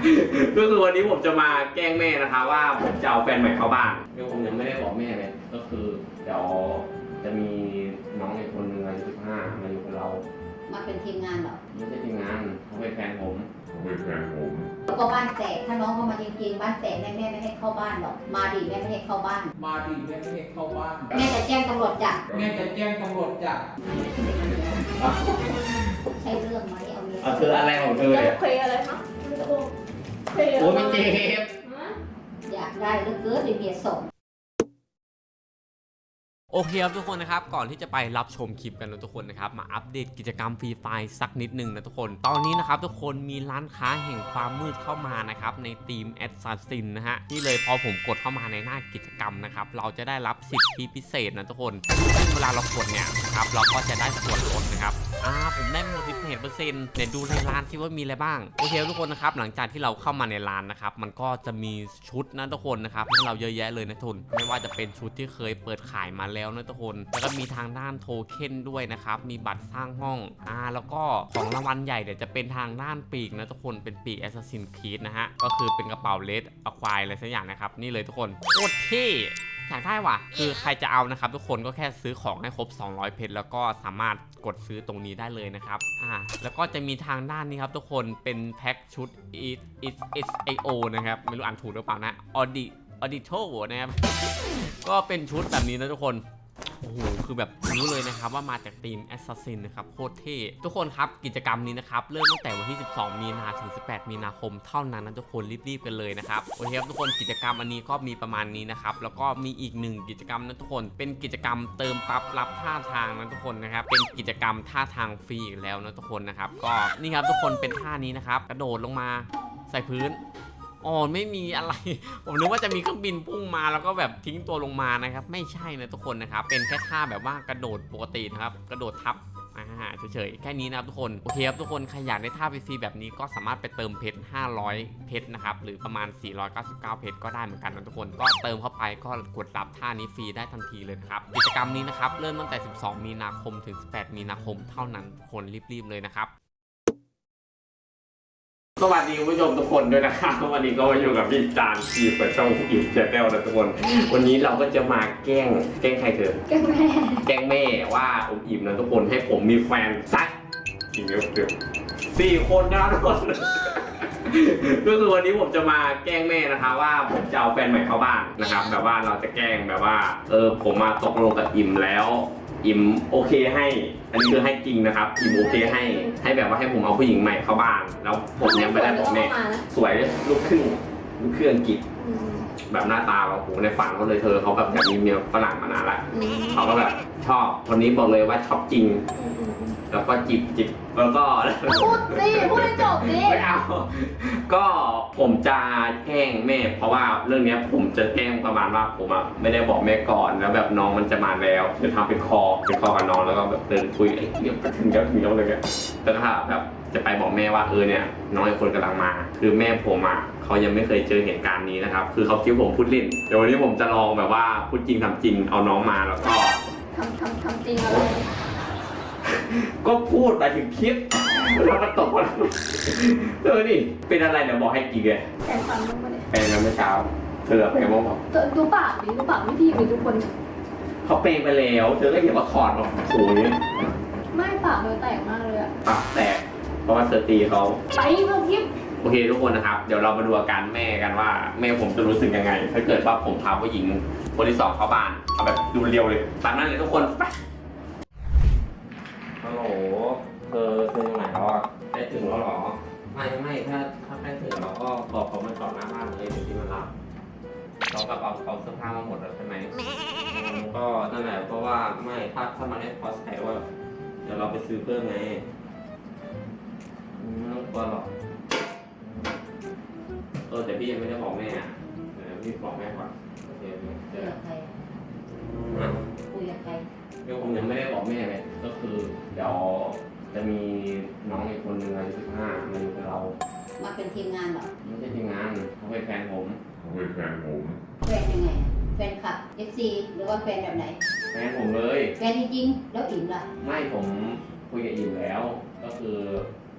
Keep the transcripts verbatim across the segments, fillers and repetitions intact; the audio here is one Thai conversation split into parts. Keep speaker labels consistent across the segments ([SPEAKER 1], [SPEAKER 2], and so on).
[SPEAKER 1] ก็คือวันนี้ผมจะมาแกล้งแม่นะคะว่าผมจะเอาแฟนใหม่เข้าบ้านเดี๋ยวผมยังไม่ได้บอกแม่เลยก็คือเดี๋ยวจะมีน้องอีกคนนึงอายุสิบห้ามาอยู่กับเรา
[SPEAKER 2] มาเป็นทีมงานเหรอ
[SPEAKER 1] ไม่ใช่ทีมงานเขาเป็นแฟนผม
[SPEAKER 3] เขาเป็นแฟนผม
[SPEAKER 2] แล้วก็บ้านแตกถ้าน้องเขามาจริงๆบ้านแตกแม่แม่ไม่ให้เข้าบ้านหรอกมาดิแม่ไม่ให้เข้าบ้าน
[SPEAKER 4] มาดิแม่ไม่ให้เข้าบ้าน
[SPEAKER 2] แม่จะแจ้งตำรวจจับ
[SPEAKER 4] แม่จะแจ้งตำรวจจับ
[SPEAKER 2] ใช่เรื่องไหมเอาเมีย
[SPEAKER 1] เธออะไรของเธอเนี่ย
[SPEAKER 5] เคยอะไรคะเคย
[SPEAKER 1] โอ้ไม่เจ็บ
[SPEAKER 2] อยากได้เลือกเกินเมียส่ง
[SPEAKER 1] โอเคครับทุกคนนะครับก่อนที่จะไปรับชมคลิปกันนะทุกคนนะครับมาอัปเดตกิจกรรมฟรีไฟล์สักนิดนึงนะทุกคนตอนนี้นะครับทุกคนมีร้านค้าแห่งความมืดเข้ามานะครับในทีมแอดซาซินนะฮะนี่เลยพอผมกดเข้ามาในหน้ากิจกรรมนะครับเราจะได้รับสิทธิพิเศษนะทุกคนซึ่งเวลาเรากดเนี่ยนะครับเราก็จะได้ส่วนลดนะครับอ่าผมได้หมดสิบเปอร์เซ็นต์เนี่ยดูในร้านซิว่ามีอะไรบ้างโอเคทุกคนนะครับหลังจากที่เราเข้ามาในร้านนะครับมันก็จะมีชุดนะทุกคนนะครับให้เราเยอะแยะเลยนะทุนไม่ว่าจะเป็นชุดที่เคยเปิดขายมาแล้วนะทุกคนแล้วก็มีทางด้านโทเค็นด้วยนะครับมีบัตรสร้างห้องอ่าแล้วก็ของรางวัลใหญ่เดี๋ยวจะเป็นทางด้านปีกนะทุกคนเป็นปีก Assassin's Creed นะฮะก็คือเป็นกระเป๋าเลดอะควายอะไรสักอย่างนะครับนี่เลยทุกคนโคตรเท่อยากได้ว่ะคือใครจะเอานะครับทุกคนก็แค่ซื้อของให้ครบสองร้อยเพชรแล้วก็สามารถกดซื้อตรงนี้ได้เลยนะครับอ่าแล้วก็จะมีทางด้านนี้ครับทุกคนเป็นแพ็คชุด it it it io นะครับไม่รู้อ่านถูกหรือเปล่านะ audit audito นะครับก็เป็นชุดแบบนี้นะทุกคนโอ้โหคือแบบรู้เลยนะครับว่ามาจากทีม Assassin นะครับโคตรเท่ทุกคนครับกิจกรรมนี้นะครับเริ่มตั้งแต่วันที่สิบสองมีนาถึงสิบแปดมีนาคมเท่านั้นนะทุกคนรีบๆกันเลยนะครับโอเคครับทุกคนกิจกรรมอันนี้ก็มีประมาณนี้นะครับแล้วก็มีอีกหนึ่งกิจกรรมนะทุกคนเป็นกิจกรรมเติมปั๊บรับท่าทางนะทุกคนนะครับเป็นกิจกรรมท่าทางฟรีอีกแล้วนะทุกคนนะครับก็นี่ครับทุกคนเป็นท่านี้นะครับกระโดดลงมาใส่พื้นอ๋อไม่มีอะไรผมนึกว่าจะมีเครื่องบินพุ่งมาแล้วก็แบบทิ้งตัวลงมานะครับไม่ใช่นะทุกคนนะครับเป็นแค่ท่าแบบว่ากระโดดปกตินะครับกระโดดทับอ่าเฉยๆแค่นี้นะครับทุกคนโอเคครับทุกคนใครอยากได้ท่าฟรีๆแบบนี้ก็สามารถไปเติมเพชรห้าร้อยเพชรนะครับหรือประมาณสี่ร้อยเก้าสิบเก้าเพชรก็ได้เหมือนกันนะทุกคนก็เติมเข้าไปก็กดรับท่านี้ฟรีได้ทันทีเลยนะครับกิจกรรมนี้นะครับเริ่มตั้งแต่สิบสองมีนาคมถึงสิบแปดมีนาคมเท่านั้นคนรีบๆเลยนะครับสวัสดีคุณผู้ชมทุกคนด้วยนะครับวันนี้ก็มาอยู่กับพี่จานที่เปิดช่องอิ่มแชนแนลนะทุกคนวันนี้เราก็จะมาแกล้งแกล้งใครเถอะ
[SPEAKER 2] แกล้งแม่
[SPEAKER 1] แกล้งแม่ว่าอมอิ่มนะทุกคนให้ผมมีแฟนสักกี่เดียวเดียวสี่คนนะทุกคนก็คือวันนี้ผมจะมาแกล้งแม่นะคะว่าผมจะเอาแฟนใหม่เข้าบ้านนะครับแบบว่าเราจะแกล้งแบบว่าเออผมมาตกลงกับอิ่มแล้วอิ่มโอเคให้อันนี้คือให้จริงนะครับอิ่มโอเคให้ให้แบบว่าให้ผมเอาผู้หญิงใหม่เข้าบ้านแล้วผมยังไม่ได้บอกแม่สวยลูกครึ่งลูกครึ่งอังกฤษแบบหน้าตาแบบโหในฝันเขาเลยเธอเขาแบบแบบมีเมียฝรั่งมานานละเขาก็แบบชอบคนนี้บอกเลยว่าชอบจริงแล้วก็จิบจิบแล้วก็
[SPEAKER 5] พูดสิพูดให้จบดิ
[SPEAKER 1] ไม่เอาก็ผมจะแกล้งแม่เพราะว่าเรื่องนี้ผมจะแกล้งประมาณว่าผมอ่ะไม่ได้บอกแม่ก่อนแล้วแบบน้องมันจะมาแล้วจะทำเป็นคอเป็นคอกับน้องแล้วก็แบบเดินคุยไอ้เดี๋ยวถึงแล้วถึงแล้วเลยแล้วก็แบบจะไปบอกแม่ว่าเออเนี่ยน้องไอ้คนกำลังมาคือแม่ผมอ่ะเขายังไม่เคยเจอเหตุการณ์นี้นะครับคือเขาคิดผมพูดเล่นเดี๋ยววันนี้ผมจะลองแบบว่าพูดจริงทำจริงเอาน้องมาแล้วก็
[SPEAKER 5] ทำทำทำจริงอะไร
[SPEAKER 1] ก็พูดไปถึงคลิปแล้วก็ตกมาเธอนี่เป็นอะไรเดี๋ยวบอกให้กี่เลย
[SPEAKER 5] แฟนฟันต้องมาเลย
[SPEAKER 1] แปลงกันเมื่อเช้าเธอแปลงบ้างบอก
[SPEAKER 5] ดูปากดิดูปากไม่ดีเลยทุกคน
[SPEAKER 1] เขาแปลงไปแล้วเธอก็เห็นว่าถอดออกโอ้ย
[SPEAKER 5] ไม่ปากเลยแตกมากเลยอะ
[SPEAKER 1] ปากแตกเพราะว่าเธอตีเขา
[SPEAKER 5] ไปเมื่อกี้
[SPEAKER 1] โอเคทุกคนนะครับเดี๋ยวเรามาดูอาการแม่กันว่าแม่ผมจะรู้สึกยังไงถ้าเกิดว่าผมพาผู้หญิงคนที่สองเข้าบ้านเอาแบบดูเรียวเลยตามนั้นเลยทุกคนไปฮัลโหลเธอเธออยู่ไหนแล้วอ่ะได้ถึงแล้วหรอไม่ไม่ถ้าถ้าใกล้ถึงเราก็บอกเขามาจอดหน้าบ้านเลยเดี๋ยวที่มันรับเราแบบเอาเอาเสื้อผ้ามาหมดแล้วใช่ไหมก็นั่นแหละเพราะว่าไม่ถ้าถ้ามันไม่พอใช้ว่าเดี๋ยวเราไปซื้อเพิ่มไงไม่ต้องกลัวหรอกเออแต่พี่ยังไม่ได้บอกแม่อ่ะเดี๋ยวพี่บอกแม่ก่อนโอเค
[SPEAKER 2] คุยกับใครคุยกับใคร
[SPEAKER 1] เดี๋ยวผมยังไม่ได้บอกแม่เลยก็คือเดี๋ยวจะมีน้องอีกคนนึงอายุสิบห้ามาอยู่กับเรา
[SPEAKER 2] มาเป็นทีมงานเหรอ
[SPEAKER 1] ไม่ใช่ทีมงานเขาเป็นแฟนผม
[SPEAKER 3] เขาเป็นแฟนผม
[SPEAKER 2] แฟนยังไงแฟนคลับ เอฟ ซี หรือว่าแฟนแบบไหน
[SPEAKER 1] แฟนผมเลย
[SPEAKER 2] แฟนจริงๆแล้วอิ่มล่ะ
[SPEAKER 1] ไม่ผมคุยกับอิ่มแล้วก็คือ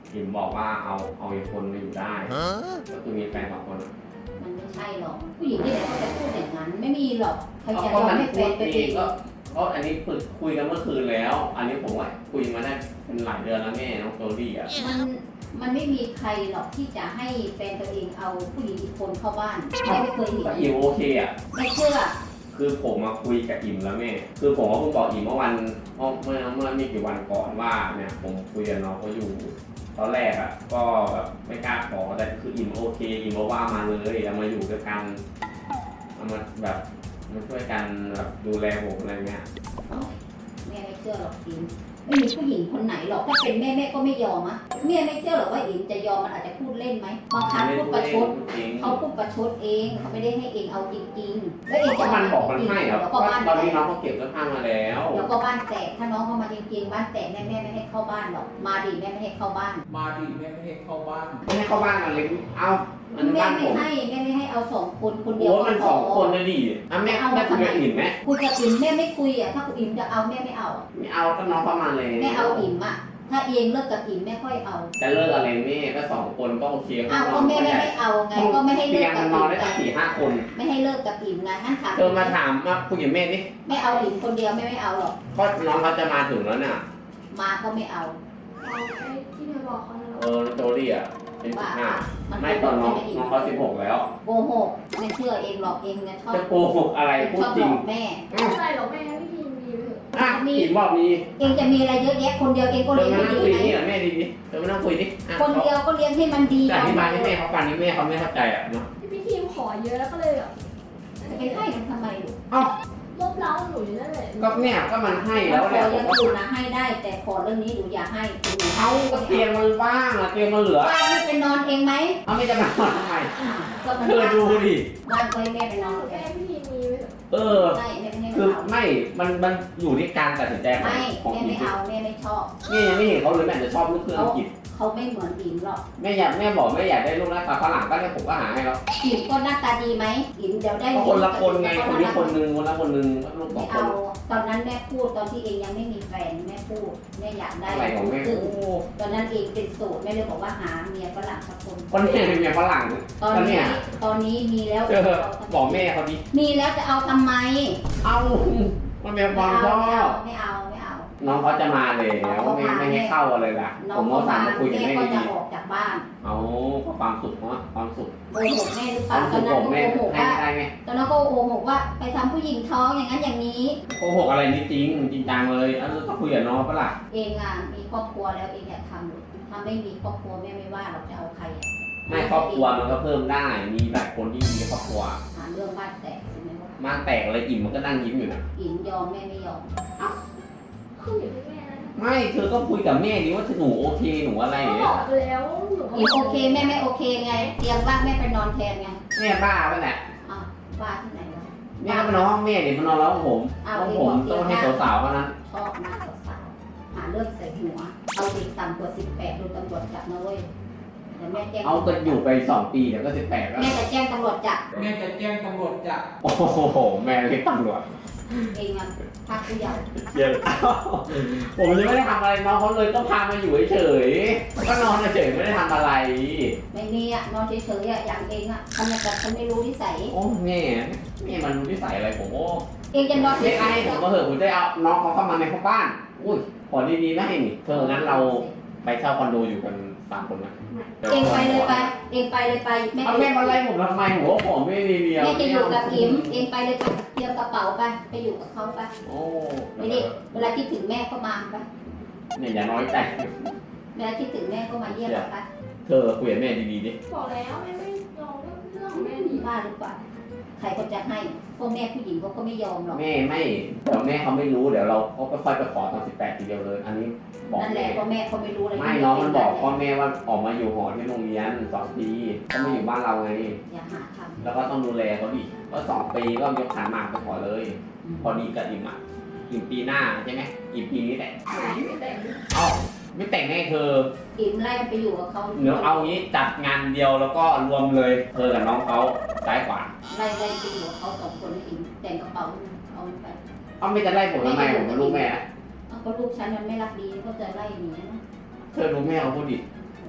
[SPEAKER 1] อิมบอกว่าเอาเอาอีกคนมาอยู่ได้ก็คือมีแฟนสองคนอะ
[SPEAKER 2] มันไม่ใช่หรอกผู้หญิงที่ไหนเขาจะพูดอย่างนั้นไม่มีหรอกใครจะย
[SPEAKER 1] ก็
[SPEAKER 2] อม
[SPEAKER 1] มัน
[SPEAKER 2] ให้แฟ
[SPEAKER 1] พูด
[SPEAKER 2] นไป
[SPEAKER 1] เอ
[SPEAKER 2] ติ
[SPEAKER 1] ง
[SPEAKER 2] ด
[SPEAKER 1] ก็ก็อันนี้ฝึกคุยกันเมื่อคืนแล้ว อันนี้ผมว่าคุยมาได้เป็นหลายเดือนแล้วแม่น้องโจลี่อ่ะ
[SPEAKER 2] มันมันไม่มีใครหรอกที่จะให้แฟนตัวเองเอาผู้หญิงอีกคนเข้าบ้านแม่ไม่เคยเห็น
[SPEAKER 1] ก็อิมโอเคอ่ะ
[SPEAKER 2] ไม่เชื่อ
[SPEAKER 1] คือผมมาคุยกับอิมแล้วแม่ คือผมก็เพิ่งบอกอิมเมื่อวันเมื่อเมื่อเมื่อไม่กี่วันก่อนว่าเนี่ยผมคุยกับน้องเขาอยู่ ตอนแรกอ่ะก็แบบไม่กล้าขอแต่คืออิมโอเคอิมบอกว่ามาเลยเอามาอยู่ด้วยกันเอามาแบบมาช่วยกันแบบดูแลผมอะไรเงี้ย
[SPEAKER 2] แม่ไม่เชื่อหรอกอิมไม่มีผู้หญิงคนไหนหรอกถ้าเป็นแม่แม่ก็ไม่ยอมอะแม่ไม่เชื่อหรอกว่าอิมจะยอมมันอาจจะพูดเล่นไหมบางครั้งพูดประชด
[SPEAKER 1] จริง
[SPEAKER 2] เขาพูดประชดเองเขาไม่ได้ให้เองเอาจริงๆแล้วเอง
[SPEAKER 1] ก็
[SPEAKER 2] จะ
[SPEAKER 1] มันบอกมันให้ครับ
[SPEAKER 2] แล้วก็
[SPEAKER 1] ว่า
[SPEAKER 2] บ้าน
[SPEAKER 1] ตอนนี้
[SPEAKER 2] แต
[SPEAKER 1] น้อก งเขาเก็บเสื้อผ้ามาแล้ว
[SPEAKER 2] แล้วก็บ้านแตกถ้าน้องเขามาจริงๆบ้านแตกแม่แม่ไม่ให้เข้าบ้านหรอกมาดิแม่ไม่ให้เข้าบ้าน
[SPEAKER 4] มาดิแม่ไม่ให้เข้าบ้าน
[SPEAKER 1] ไม่ให้เข้าบ้านมาเลยเอามัน
[SPEAKER 2] แม่
[SPEAKER 1] บ้านผ
[SPEAKER 2] ไม่
[SPEAKER 1] ม
[SPEAKER 2] ให้แม่ไม่ให้เอาสองคนคนเดียว
[SPEAKER 1] โอ้มันสองคนนะดิอ่ะแม่
[SPEAKER 2] เอา
[SPEAKER 1] แม่
[SPEAKER 2] มา
[SPEAKER 1] คุย
[SPEAKER 2] ทำไม
[SPEAKER 1] กับอิมไหม
[SPEAKER 2] คุยกับอิมแม่ไม่คุยอ่ะถ้าคุณอิมจะเอาแม่ไม่เอาอะ
[SPEAKER 1] ไม่เอาก็น้องเข้ามาเลย
[SPEAKER 2] แม่เอาอิมอ่ะถ้าเองเลิกกับอิมแม่ค่อยเอา
[SPEAKER 1] จะเลิกอะไรแม่ก็สองคนก็โอเค
[SPEAKER 2] อ้าวก็แม่ไม่ให้เอาไงก็ไม่ให้เลิ
[SPEAKER 1] เตี
[SPEAKER 2] ก
[SPEAKER 1] ยง
[SPEAKER 2] กั
[SPEAKER 1] มั
[SPEAKER 2] บ
[SPEAKER 1] นน
[SPEAKER 2] อิ
[SPEAKER 1] อน
[SPEAKER 2] ม
[SPEAKER 1] ได้ตั้งสี่ห้าคน
[SPEAKER 2] ไม่ให้เลิกกับอิมไงงั้นถาม
[SPEAKER 1] เธอมาถามมาคุยกับแม่ดิ
[SPEAKER 2] ไม่เอาอิมคนเดียวแม่ไม่เอาหรอก
[SPEAKER 1] ก็น้องเขาจะมาถึงแล้วเนี่ย
[SPEAKER 2] มาก็ไม่เอา
[SPEAKER 5] เอาไอ้ที่เธอบอกเขาแล้ว
[SPEAKER 1] เออโจลี่อ่ะเป็นสิ
[SPEAKER 2] บ้า
[SPEAKER 1] บห้า
[SPEAKER 2] มัน
[SPEAKER 1] ไม่ตอนน้องน้องเขาสิบหกแล้ว
[SPEAKER 2] โกหกไม่เชื่อเองหรอกเองเนี่ยชอบ
[SPEAKER 1] จะโกหกอะไรพู
[SPEAKER 2] ช
[SPEAKER 1] ด
[SPEAKER 2] อบ
[SPEAKER 1] จ
[SPEAKER 2] ห
[SPEAKER 1] ริ
[SPEAKER 2] ล
[SPEAKER 1] ง
[SPEAKER 2] อกแม่
[SPEAKER 5] ไม่ใช่หรอกแม่พี่ทีมมีไปเถอะ
[SPEAKER 1] อ่ะอิมบอกมี
[SPEAKER 2] เองจะมีอะไรเยอะแยะคนเดียวเองก็
[SPEAKER 1] เธ
[SPEAKER 2] เลี้
[SPEAKER 1] อย
[SPEAKER 2] ง
[SPEAKER 1] มา
[SPEAKER 2] ให้
[SPEAKER 1] นั่ง
[SPEAKER 2] ดี
[SPEAKER 1] คุย
[SPEAKER 2] ไหม
[SPEAKER 1] นี่เหรอแม่ดีดิเธอมานั่งคุยดิอ่ะ
[SPEAKER 2] คนเดียวก็เลี้ยงให้มันดี
[SPEAKER 1] แต่อธิบายให้แม่เขาฟังนี่แม่เขาไม่เข้าใจอ่ะเนาะ
[SPEAKER 5] พี่ทีมขอเยอะแล้วก็เลยแบบ
[SPEAKER 2] จะไปให้มันทำไมลูก
[SPEAKER 1] เอ้า
[SPEAKER 5] ลบเล้าหนูอยู่นั่นแหละ
[SPEAKER 1] ก็เนี่ยก็มันให้
[SPEAKER 2] ข
[SPEAKER 1] แล้ว
[SPEAKER 2] อ
[SPEAKER 1] แหละผ
[SPEAKER 2] ยั
[SPEAKER 1] ม
[SPEAKER 2] ง
[SPEAKER 1] ก็
[SPEAKER 2] อยู่นะให้ได้ แต่ขอเรื่องนี้หนูอย่าให้หนู
[SPEAKER 1] เอาก็เตียงมันว่างอะเตียงมันเหลือ
[SPEAKER 2] บ้านไม่ไปนอนเองไหม
[SPEAKER 1] เอาไม่จะมานอนทำไม
[SPEAKER 2] อ่าก็มัน
[SPEAKER 1] เธอดูดิ
[SPEAKER 2] บ้านก็ให้แม่ไปนอนเอ
[SPEAKER 5] แม่
[SPEAKER 2] ง
[SPEAKER 5] พี่ทีมมีไปเถอะ
[SPEAKER 1] เออ
[SPEAKER 2] ไม่แม่ไม่ให้
[SPEAKER 1] คือ
[SPEAKER 2] เอา
[SPEAKER 1] ไม่ มันมันอยู่ที่การตัดสินใจของ
[SPEAKER 2] ไม่
[SPEAKER 1] ของ
[SPEAKER 2] แม่
[SPEAKER 1] อี
[SPEAKER 2] ไม่
[SPEAKER 1] ก
[SPEAKER 2] เอาแม่ไม่ชอบ
[SPEAKER 1] แม่ยังไม่เห็นเขาเลยแม่จะชอบลูกเครื่องอังกฤษ
[SPEAKER 2] เขาไม่เหมือนอิมหรอก
[SPEAKER 1] แม่อยากแม่บอกแม่อยากได้ลูกหน้าตาฝรั่งก็ได้ผมก็หาให้แล้ว
[SPEAKER 2] อิมก็หน้าตาดีไหมอิมเดี๋ยวได้
[SPEAKER 1] ก็คนละคนไงคนนี้คนหนึงคนละคนหนึงลูกสอ
[SPEAKER 2] ไม่
[SPEAKER 1] งค
[SPEAKER 2] เอา
[SPEAKER 1] น
[SPEAKER 2] ตอนนั้นแม่พูดตอนที่เองยังไม่มีแฟนแม่พูดแม่อยากได้
[SPEAKER 1] อะไรของแม่
[SPEAKER 2] คื
[SPEAKER 1] โอ้
[SPEAKER 2] อตอนนั้นเองเป็นโสดแม่เลยบอกว่าหาเมียฝรั่งสักคน
[SPEAKER 1] คนนี้เป็นเมียฝรั่ง
[SPEAKER 2] ตอน
[SPEAKER 1] ก็เนี่
[SPEAKER 2] นี้
[SPEAKER 1] ย
[SPEAKER 2] ตอนนี้มีแล้ว
[SPEAKER 1] เออบอกแม่เขาดิ
[SPEAKER 2] มีแล้วจะเอาทำไม
[SPEAKER 1] เอามันเป็นความชอบ
[SPEAKER 2] ไม่เอาไม่เอา
[SPEAKER 1] น้องเขาจะมาแล้วไม่ไม่ให้เข้าอะไรล่ะ
[SPEAKER 2] น้อ
[SPEAKER 1] ผ
[SPEAKER 2] ง
[SPEAKER 1] ม
[SPEAKER 2] ก็
[SPEAKER 1] ก็สั่
[SPEAKER 2] มาง
[SPEAKER 1] มาคุยกับ
[SPEAKER 2] แม่
[SPEAKER 1] แม่
[SPEAKER 2] ก็จะ
[SPEAKER 1] ดี
[SPEAKER 2] ออกจากบ้าน
[SPEAKER 1] ๆเอาก็ความสุขเนาะความสุข
[SPEAKER 2] โกหกแม่หรือเป
[SPEAKER 1] ควา
[SPEAKER 2] ล่าม ต
[SPEAKER 1] สุ
[SPEAKER 2] อน
[SPEAKER 1] ข
[SPEAKER 2] นั้น
[SPEAKER 1] ของ
[SPEAKER 2] ก็
[SPEAKER 1] แม่
[SPEAKER 2] โกหก
[SPEAKER 1] ให้
[SPEAKER 2] ว่า
[SPEAKER 1] ได้ไง
[SPEAKER 2] ตอนนั้นก็โกหกว่าไปทำผู้หญิงท้องอย่างนั้นอย่างนี้
[SPEAKER 1] โกหกอะไรนี่จริงจริงจังเลยเออก็คุยกับน้องปะล่ะ
[SPEAKER 2] เองอ่ะมีครอบครัวแล้วเองอยากทำหรือถ้าไม่มีครอบครัวแม่ไม่ว่าเราจะเอาใครอ่ะ
[SPEAKER 1] ไม่ครอบครัวมันก็เพิ่มได้ มีหลายคนที่มีครอบครัว
[SPEAKER 2] หาเรื่องบ้านแตกใช่ไหมว่า
[SPEAKER 1] มาแตกอะไรอิ่มมันก็นั่งยิ้มอยู่นะ
[SPEAKER 2] อินยอมแม่ไม่ยอม
[SPEAKER 5] ขึ้นอยู่ที่แม่นะ
[SPEAKER 1] ไม่เธอก็คุยกับแม่ดิว่าหนูโอเคหนูอะไรอย่าง
[SPEAKER 5] ก็บ
[SPEAKER 1] เงี้
[SPEAKER 5] อย กไปแล้วหนูก็
[SPEAKER 2] อินโอเคแม่ไม่โอเคไงเตียงบ้านแม่ไปนอนแทนไง
[SPEAKER 1] แม่บ้าปะเนี่ย
[SPEAKER 2] อ่ะบ้านที่ไหนวะ
[SPEAKER 1] แม่ก็ไปนอนห้องแม่ดิมานอนแล้วห้องผมห้องผมต้องให้สาวๆเท่านั้น
[SPEAKER 2] ชอบมากสาวๆหาเรื่องใส่หัว เอาเด็กต่ำกว่าสิบแปดดูตำรวจจับนะเว้ยเดี๋ยวแม่แจ้ง
[SPEAKER 1] เอาก็อยู่ไปสองปีเดี๋ยวก็สิบแปดแล้ว
[SPEAKER 2] แม่จะแจ้งตำรวจจับ
[SPEAKER 4] แม่จะแจ้งตำรวจจับ
[SPEAKER 1] โอ้โหแม่เรียกตำรวจ
[SPEAKER 2] เองอ่ะพักผู้ใหญ่
[SPEAKER 1] เยอะผมยังไม่ได้ทำอะไรน้องเขาเลยต้องพามาอยู่เฉยๆก็นอนเฉยๆไม่ได้ทำอะไร
[SPEAKER 2] ไม่มีอ่ะนอนเฉยๆอ่ะอย่างเองอ่ะทำไมแต่ฉันไม่รู้นิสัย
[SPEAKER 1] โอ้แม่แม่มันรู้นิสัยอะไรผมโอ้
[SPEAKER 2] เองจะนอนเฉ
[SPEAKER 1] ไม่
[SPEAKER 2] ย
[SPEAKER 1] ไอ้ผมมาเหอะผมจะเอาน้องเขาเข้ามาในห้องบ้าน อุ้ยขอดีๆไม่ให้นี่เธองั้นเราไปเช่าคอนโดอยู่กันสามคนนะ
[SPEAKER 2] เองไปเลยไปเองไปเลยไปแม่
[SPEAKER 1] เอาแม่มาไล่ผมทำไมหัวผมไม่ดีเดียว
[SPEAKER 2] แม่จะอยู่กับอิมเองไปเลยไปเตรียมกระเป๋าไปไปอยู่กับเขาไป
[SPEAKER 1] โอ้
[SPEAKER 2] ไม่ได้เวลาคิดถึงแม่ก็มาไป
[SPEAKER 1] เนี่ยอย่าน้อยใจ
[SPEAKER 2] เวลาคิดถึงแม่ก็มาเยี่ยมเราไป
[SPEAKER 1] เธอคุยกับแม่ดีๆดิ
[SPEAKER 5] บอกแล้วแม่ไม่ยอมเรื่องของแม่ดี
[SPEAKER 2] บ้าหรือเปล่าใครก็จะให้พวกแม่ผู้หญิงเขาก็ไม่ยอมหรอก
[SPEAKER 1] แม่ไม่เดี๋ยวแม่เขาไม่รู้เดี๋ยวเราเขาก็ค่อยไปขอตอนสิบแปดทีเดียวเลย อันนี้บอก
[SPEAKER 2] นั่นแห
[SPEAKER 1] แม่
[SPEAKER 2] ละพ่อแม่เขาไม่รู้อะไร
[SPEAKER 1] ไม่น้องมันบอกพ่อแม่ว่าออกมาอยู่หอที่โรงเรียนสองปีเขาไม่อยู่บ้านเราไง
[SPEAKER 2] อย่าหาท
[SPEAKER 1] แล้วก็ต้องดูแลเขาดิก็สองปีก็ยกขันหมากไปขอเลย
[SPEAKER 2] ำ
[SPEAKER 1] พอดีกับอิมอ่ะอิมปีหน้าใช่ไหมอิมปีนี้แหละ
[SPEAKER 5] ไม่แต่ง
[SPEAKER 1] เอ้าไม่แต่งให้เธอ
[SPEAKER 2] อิมไล่ไปอยู่กับเขา
[SPEAKER 1] เดี๋ยวเอางี้จัดงานเดียวแล้วก็รวมเลยเธอกับน้องเขาซ้ายขวา
[SPEAKER 2] ไล่ไล่ไปอยู่กับเขาสองคนอิมแต่งกระเป๋าเอาไป
[SPEAKER 1] เอาไม่จะไล่ผมทำไมผมเป็นลูกแม่นะ
[SPEAKER 2] เอาก็ลูกฉันมันไม่รักดีก็จะไล่หนีนะ
[SPEAKER 1] เธอดูแม่เขาพูดดิ
[SPEAKER 2] เ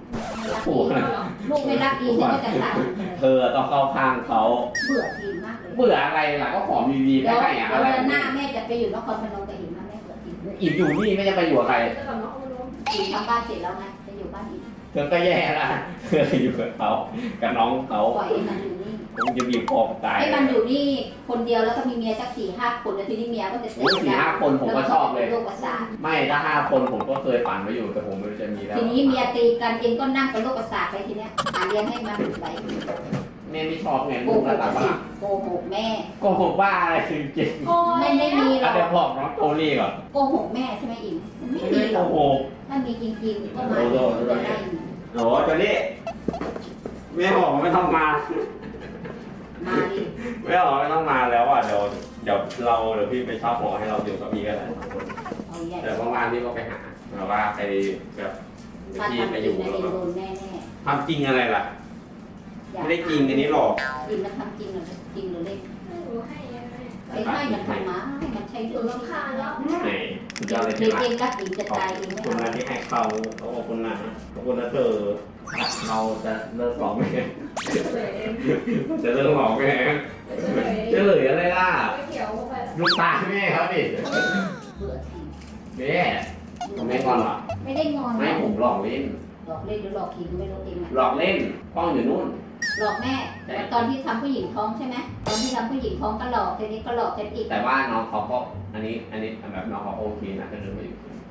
[SPEAKER 1] โอ้โห
[SPEAKER 2] ลูกไม่รักอิงฉันก็จะตัด
[SPEAKER 1] เธอต้องเข้าข้างเขา
[SPEAKER 2] เบื่ออิงมากเลย
[SPEAKER 1] เบื่ออะไรล่ะก็ของดีๆ
[SPEAKER 2] เดี๋ยว
[SPEAKER 1] ให้อะ
[SPEAKER 2] เดี๋
[SPEAKER 1] อะ
[SPEAKER 2] ยว
[SPEAKER 1] ไร
[SPEAKER 2] เดือนหน้าแม่จะไปอยู่นครพนมกับอิงนะแม่เบื่ออิง
[SPEAKER 1] อินอยู่นี่ไม่จะไปอยู่กับใคร
[SPEAKER 5] จะกับน้องเอาน้อง
[SPEAKER 2] อิงทำบ้านเสร็จแล้วไงจะอยู่บ้านอิง
[SPEAKER 1] เธอก็แย่ละเธออยู่กับเขากับน้องเขา
[SPEAKER 2] ปล่อยให้มันอยู่นี่
[SPEAKER 1] คงจะมีพอตาย
[SPEAKER 2] ให้มันอยู่นี่คนเดียวแล้วก็มีเมียสักสี่ห้าคนแล้วทีนี้เมียก็จะ
[SPEAKER 1] โอ้ยสี่ห้าคนผมก็ชอบเลย
[SPEAKER 2] โรคประสาท
[SPEAKER 1] ไม่ถ้าห้าคนผมก็เคยฝันไว้อยู่แต่ผมไม่รู้จะมีแล้ว
[SPEAKER 2] ทีนี้เมียตีกันเองก็นั่งเป็นโรคประสาทไปทีเนี้ยหาเลี้ยงให้มันไป
[SPEAKER 1] แม่ไม่ชอบไง
[SPEAKER 2] โก
[SPEAKER 1] ลูก
[SPEAKER 2] ห
[SPEAKER 1] ระ
[SPEAKER 2] ก
[SPEAKER 1] ดับ
[SPEAKER 2] สิ
[SPEAKER 1] ว่า
[SPEAKER 2] โกหกแม่
[SPEAKER 1] โกหกว่าอะไรจริง
[SPEAKER 5] โอ้
[SPEAKER 2] ไม่ไม่มี
[SPEAKER 1] ๆ
[SPEAKER 2] หร
[SPEAKER 1] อ่ะ
[SPEAKER 2] อก
[SPEAKER 1] เดี๋ยวบอกน้องโทนี่ก่อน
[SPEAKER 2] โกหกแม่ใช่ไหมอิงมันไม่
[SPEAKER 1] ไม่
[SPEAKER 2] มี
[SPEAKER 1] ได้
[SPEAKER 2] หร
[SPEAKER 1] โก
[SPEAKER 2] อก
[SPEAKER 1] หก
[SPEAKER 2] ถ้ามีจริงๆก็มา
[SPEAKER 1] โอ้โห
[SPEAKER 2] จะได้
[SPEAKER 1] โอ้โทนี่แม่บอกไม่ต้องมา
[SPEAKER 2] มาดิ
[SPEAKER 1] ไม่บอกไม่ต้องมาแล้วอ่ะเดี๋ยวเดี๋ยวเราเดี๋ยวพี่ไปเช่าหอให้เราอยู่กับพี่ก็ได้
[SPEAKER 2] เอาใหญ่
[SPEAKER 1] แต่ประมาณนี้ก็ไปหาแบบว่าไปแบบ
[SPEAKER 2] ถ้า
[SPEAKER 1] พี่
[SPEAKER 2] ทำ
[SPEAKER 1] ไป
[SPEAKER 2] จ
[SPEAKER 1] อ
[SPEAKER 2] ริ
[SPEAKER 1] ยู่
[SPEAKER 2] งนะ
[SPEAKER 1] แล้ว
[SPEAKER 2] เอง
[SPEAKER 1] ก็
[SPEAKER 2] โดนแน่
[SPEAKER 1] ทำจริงอะไรล่ะ
[SPEAKER 2] ๆอย่า
[SPEAKER 1] ไม่ได้จริงอันนี้หรอก
[SPEAKER 2] จริงมันทำจริงหรือจริงหรือเล่น
[SPEAKER 5] ให้หนูให้ยังไง
[SPEAKER 2] ไอ้ให้มันทำมาให้มันใช้
[SPEAKER 5] หนู
[SPEAKER 2] เรื่อง
[SPEAKER 5] รำคาญแล้ว
[SPEAKER 1] ไหนสุดยอดเลย
[SPEAKER 2] เด็
[SPEAKER 1] ใช่
[SPEAKER 2] ก
[SPEAKER 1] ไหม
[SPEAKER 2] เองรักอิงจะ
[SPEAKER 1] ขอบ
[SPEAKER 2] ตายเองไม่
[SPEAKER 1] คุณ
[SPEAKER 2] เอา
[SPEAKER 1] นะที่ให้เขาเขาขอบคุณนะขอบคุณนะเธอเราจะเลิกร้องไหม
[SPEAKER 5] เฉย
[SPEAKER 1] จะเลิกร้องไหม
[SPEAKER 5] เฉย
[SPEAKER 1] จะเหลืออะไรล่ะ
[SPEAKER 5] ไม่เขียวเข้าไป
[SPEAKER 1] ลูกตาแม่เขาดิ
[SPEAKER 2] เบื่อที
[SPEAKER 1] แม่ผมไม่งอนหรอ
[SPEAKER 2] ไม่ได้งอน
[SPEAKER 1] ไม่ผมหลอกเล่น
[SPEAKER 2] หลอกเล่นหรือหลอกคิงไม่รู้เองอะ
[SPEAKER 1] หลอกเล่นกล้องอยู่นู่น
[SPEAKER 2] หลอกแม่ตอนที่ทำผู้หญิงท้องใช่ไหมตอนที่ทำผู้หญิงท้องก็หลอกทีนี้ก็หลอกกันอีก
[SPEAKER 1] แต่ว่าน้องเขาก็อันนี้อันนี้แบบน้องเขาโอเคนะก็เลยมาอยู่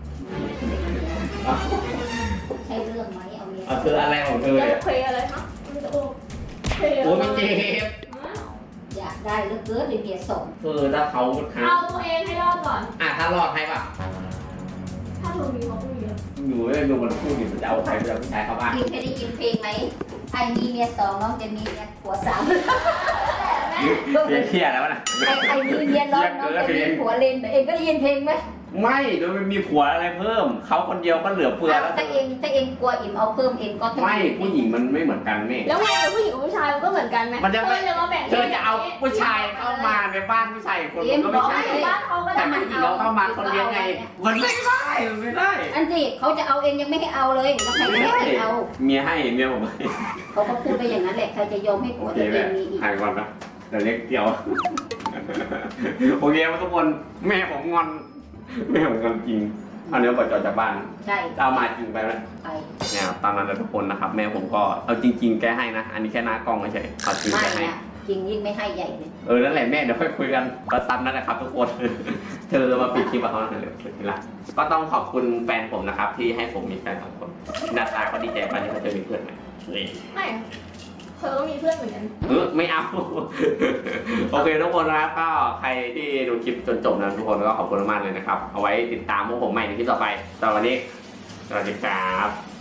[SPEAKER 2] ใช่เรื่องไหมเอาเมีย
[SPEAKER 1] เอาคืออะไรของเธอ
[SPEAKER 5] จะ
[SPEAKER 1] เนี่ย
[SPEAKER 5] เคยอะไรคะมันจะโอ้เคย
[SPEAKER 1] โอ้ยไม่เจ็บ
[SPEAKER 2] อยากได้เหลือเกินเมียส่ง
[SPEAKER 1] คือถ้าเขาท
[SPEAKER 5] เอาตัวเองให้รอดก่อน
[SPEAKER 1] ำอ่ะถ้ารอดให้ป่ะ
[SPEAKER 5] ถ้าหนูมีเขาก็มีแล้ว
[SPEAKER 1] อยู่ไม่ดูมันพูดดิมันจะเอาใครไปเอาผู้ชายเข้าบ้าน
[SPEAKER 2] ยิงเคยได้ยินเพลงไหมใครมีเมียสองน้องจะมีเมียผัวสาม
[SPEAKER 1] เพี้ยเพี้ยแล้วนะ
[SPEAKER 2] ใครใครมีเมียน้องน้องจะมีผัวเลนเองก็ได้ยินเพลงไหม
[SPEAKER 1] ไม่โดยมันมีผัวอะไรเพิ่มเขาคนเดียวก็เหลือเฟือแล้ว
[SPEAKER 2] ถ้าเองถ้าเองกลัวอิ่มเอาเพิ่มเองก็ต้อง
[SPEAKER 1] ไม่ผู้หญิงมันไม่เหมือนกันแม่
[SPEAKER 5] แล้วไงกับผู้หญิงกับผู้ชายมันก็เหมือนกันไหม
[SPEAKER 1] มันจะไม่
[SPEAKER 5] เธอจะมาแบ่ง
[SPEAKER 1] เธอจะเอาผู้ชายเข้ามาในบ้านผู้ชายคนมันก็ไม่ใช่
[SPEAKER 5] บ้านเขาก็
[SPEAKER 1] แต่
[SPEAKER 5] ได้
[SPEAKER 1] ผู้หญิงเราเข้ามาคนเดียวไงมันไม่ได้มันไม่ได้
[SPEAKER 2] อันสิเขาจะเอาเองยังไม่ให้เอาเลยแล้วใครจะให้เองเอา
[SPEAKER 1] เมียให้เมียผมให้
[SPEAKER 2] เขาก็พูดไปอย่างนั้นแหละใครจะยอมให้
[SPEAKER 1] โอ
[SPEAKER 2] ผัว
[SPEAKER 1] เค
[SPEAKER 2] ตัวเอ
[SPEAKER 1] แม่
[SPEAKER 2] งมีอีก
[SPEAKER 1] หายก่อนนะเดี๋ยวเรียกเกี่ยวโอเคทุกคนแม่ผมงอนแม่ผมงอนจริงเอาเนื้อบดจอดจากบ้าน
[SPEAKER 2] ใช่
[SPEAKER 1] จะเอามาจริงไปไหม
[SPEAKER 2] ไป
[SPEAKER 1] เนี่ยตามนั้นนะทุกคนนะครับ แม่ผมก็เอาจริง ๆ แกให้นะ อันนี้แค่หน้ากล้องไม่ใช่เอาจริง
[SPEAKER 2] ไม่
[SPEAKER 1] แกให้
[SPEAKER 2] อะจริงยิ่งไม่ให้ใหญ่เลย
[SPEAKER 1] เออนั่นแหละแม่เดี๋ยวค่อยคุยกันก็ตามนั้นนะครับ ทุกคน เธอมาปิดคลิปกับเขาหน่อยเลยทีละก็ต้องขอบคุณแฟนผมนะครับ ที่ให้ผมมีแฟนสองคนหน้าตาก็ดีใจมากที่เขาจะมีเพื่อนใหม่นี่
[SPEAKER 5] ไม่เธอก็มีเพื่อนเหมือนกัน
[SPEAKER 1] เออไม่เอา โอเคทุกคนนะครับก็ใครที่ดูคลิปจนจบนะทุกคนก็ขอบคุณมากเลยนะครับ เอาไว้ติดตามพวกผมใหม่ในคลิปต่อไปสำหรับวันนี้สวัสดีครับ